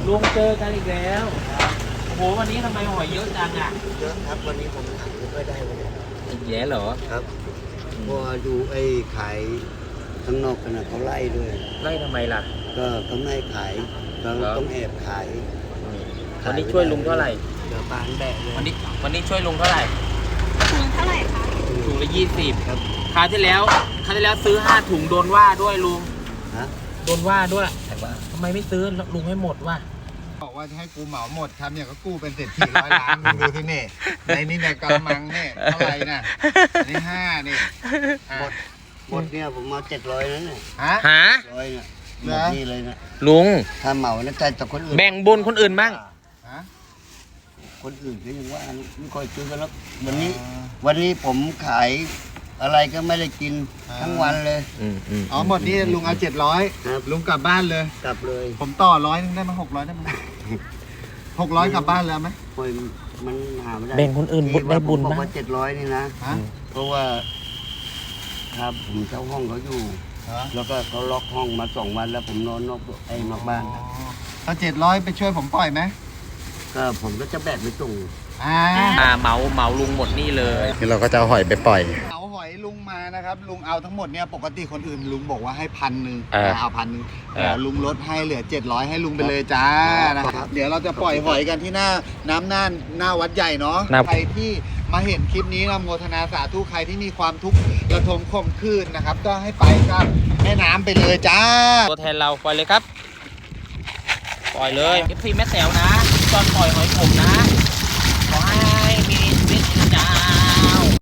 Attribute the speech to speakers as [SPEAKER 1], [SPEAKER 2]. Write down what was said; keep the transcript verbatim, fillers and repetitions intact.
[SPEAKER 1] ลุงเจอกันอีกแล้วโอ้โหวันนี้ทำไมหอยเยอะจังอ่ะ
[SPEAKER 2] เยอะครับวันนี้ผมขายไม่ค่อยได้วันนี้
[SPEAKER 1] อีกแล้วเหรอ
[SPEAKER 2] ครับพอดูไอ้ขายข้างนอกกันนะเขาไล่ด้วย
[SPEAKER 1] ไล่ทำไมล่ะ
[SPEAKER 2] ก็เขาไม่ให้ขายเราต้องแอบขาย
[SPEAKER 1] วันนี้ช่วยลุงเท่าไหร่
[SPEAKER 2] เดี๋ยวบานแบะเลย
[SPEAKER 1] วันนี้วันนี้ช่วยลุงเท่าไหร่
[SPEAKER 3] ถุงเท่าไหร่คะ
[SPEAKER 1] ถุงละยี่สิบครับคราวที่แล้วคราวที่แล้วซื้อห้าถุงโดนว่าด้วยลุง
[SPEAKER 2] ฮะ
[SPEAKER 1] โดนว่าด้วยทำไมไม่ซื้อลุงให้หมดวะ
[SPEAKER 4] บอกว่าจะให้กูเหมาหมดทำเนี่ยก็กู้เป็นเศรษฐีร้อยล้านมึงดูที่นี่ในนี่ในกะมังเนี่ยเท่าไหร่น่ะอันนี้ห้านี่
[SPEAKER 2] หมดหมดเนี่ยผมเอาเจ็ดร้อยนั่นเนี่ย
[SPEAKER 4] ฮะ
[SPEAKER 1] หา
[SPEAKER 2] ร้อยเนี่ยหมดนี่เลยนะ
[SPEAKER 1] ลุง
[SPEAKER 2] ถ้าเหมานะใจแต่คนอื่น
[SPEAKER 1] แบ่งบุญคนอื่นบ้าง
[SPEAKER 4] ฮะ
[SPEAKER 2] คนอื่นก็ยังว่าไม่ค่อยซื้อกันแล้ววันนี้วันนี้ผมขายอะไรก็ไม่ได้กินทั้งวันเลย
[SPEAKER 4] อ๋อหมดนี่ลุงเอาเจ็ดร้อยลุงกลับบ้านเลย
[SPEAKER 2] กลับเลย
[SPEAKER 4] ผมต่อร้อยนึงได้ไหมหกร้อยได้ไหมหกร้อยกลับบ้านแล้วไหม
[SPEAKER 2] มันหาไม่ได้
[SPEAKER 1] แบ่งคนอื่นบุญได้บุญ
[SPEAKER 2] บ้าง
[SPEAKER 1] บ้าง
[SPEAKER 2] ว่าเจ็ดร้อยนี่นะเพราะว่าครับผมเช่าห้องเขาอยู่แล้วก็เขาล็อกห้องมาสองวันแล้วผมนอนนอกไอ้นอกบ้าน
[SPEAKER 4] ถ้าเจ็ดร้อยไปช่วยผมปล่อยไหม
[SPEAKER 2] ก็ผมก็จะแบกไปส่ง
[SPEAKER 4] อ่า
[SPEAKER 1] อ่าเหมาเหมาลุงหมดนี่เลย
[SPEAKER 4] คือเราก็จะเอาหอยไปปล่อยเอาหอยลุงมานะครับลุงเอาทั้งหมดเนี่ยปกติคนอื่นลุงบอกว่าให้พันหนึ่งเอาพันหนึ่งแต่ลุงลดให้เหลือเจ็ดร้อยให้ลุงไปเลยจ้านะครับเดี๋ยวเราจะปล่อยหอยกันที่หน้าน้ำน่านหน้าวัดใหญ่เนาะใครที่มาเห็นคลิปนี้นะโมทนาสาธุใครที่มีความทุกข์ระทมข่มขืนนะครับก็ให้ไปกับแม่น้ำไปเลยจ้า
[SPEAKER 1] ตัวแทนเราปล่อยเลยครับปล่อยเลย เอฟ ซี แม่แต๋วนะตอนปล่อยหอยขมนะ